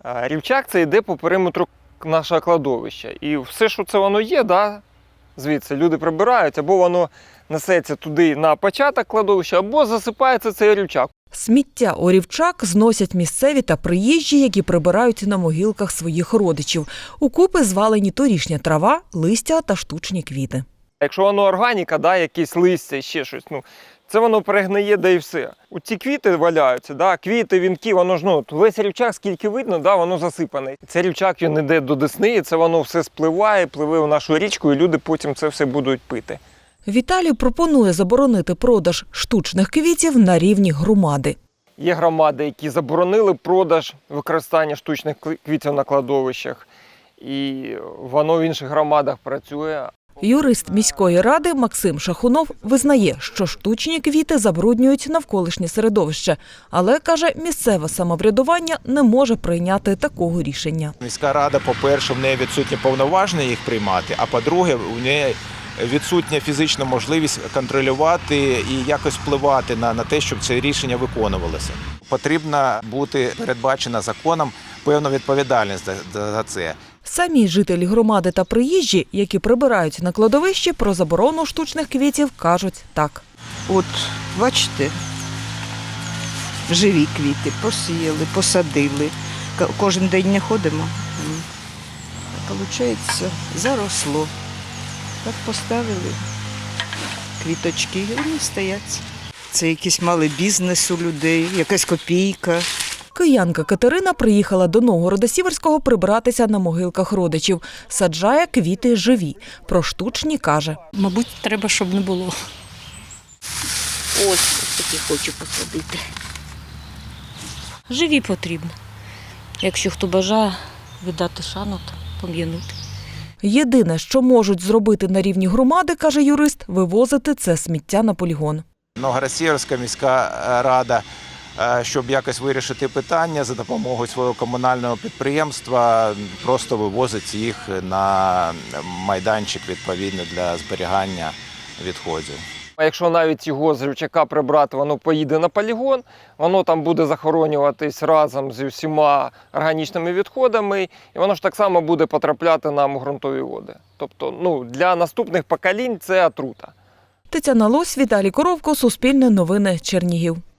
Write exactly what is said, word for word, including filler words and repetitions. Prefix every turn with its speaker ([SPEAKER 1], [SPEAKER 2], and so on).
[SPEAKER 1] Рівчак це йде по периметру нашого кладовища. І все, що це воно є, да, звідси люди прибирають, або воно несеться туди на початок кладовища, або засипається цей рівчак.
[SPEAKER 2] Сміття у рівчак зносять місцеві та приїжджі, які прибирають на могилках своїх родичів. Укупи звалені торішня трава, листя та штучні квіти.
[SPEAKER 1] Якщо воно органіка, да, якісь листя, ще щось, ну, це воно перегниє, да і все. У ці квіти валяються, да, квіти, вінки, воно ж, ну, весь рівчак, скільки видно, да, воно засипане. Цей рівчак, він йде до Десни, і це воно все спливає, пливе в нашу річку, і люди потім це все будуть пити.
[SPEAKER 2] Віталій пропонує заборонити продаж штучних квітів на рівні громади.
[SPEAKER 1] Є громади, які заборонили продаж використання штучних квітів на кладовищах, і воно в інших громадах працює.
[SPEAKER 2] Юрист міської ради Максим Шахунов визнає, що штучні квіти забруднюють навколишнє середовище, але, каже, місцеве самоврядування не може прийняти такого рішення.
[SPEAKER 3] Міська рада, по-перше, в неї відсутні повноваження їх приймати, а по-друге, у неї відсутня фізична можливість контролювати і якось впливати на, на те, щоб це рішення виконувалося. Потрібно бути передбачена законом певна відповідальність за, за це.
[SPEAKER 2] Самі жителі громади та приїжджі, які прибирають на кладовищі, про заборону штучних квітів кажуть так.
[SPEAKER 4] От, бачите, живі квіти, посіяли, посадили. Кожен день не ходимо. Получається, заросло. Так поставили квіточки, і вони стоять. Це якийсь малий бізнес у людей, якась копійка.
[SPEAKER 2] Киянка Катерина приїхала до Новгорода-Сіверського прибратися на могилках родичів. Саджає квіти живі. Про штучні каже.
[SPEAKER 5] Мабуть, треба, щоб не було. Ось, ось такі хочу посадити. Живі потрібно. Якщо хто бажає віддати шану, то пом'янути.
[SPEAKER 2] Єдине, що можуть зробити на рівні громади, каже юрист, вивозити це сміття на полігон.
[SPEAKER 3] Новгород-Сіверська міська рада, щоб якось вирішити питання за допомогою свого комунального підприємства, просто вивозить їх на майданчик відповідно для зберігання відходів.
[SPEAKER 1] А якщо навіть його з рівчака прибрати, воно поїде на полігон, воно там буде захоронюватись разом зі всіма органічними відходами, і воно ж так само буде потрапляти нам у ґрунтові води. Тобто, ну, для наступних поколінь це отрута.
[SPEAKER 2] Тетяна Лось, Віталій Коровко, Суспільне новини, Чернігів.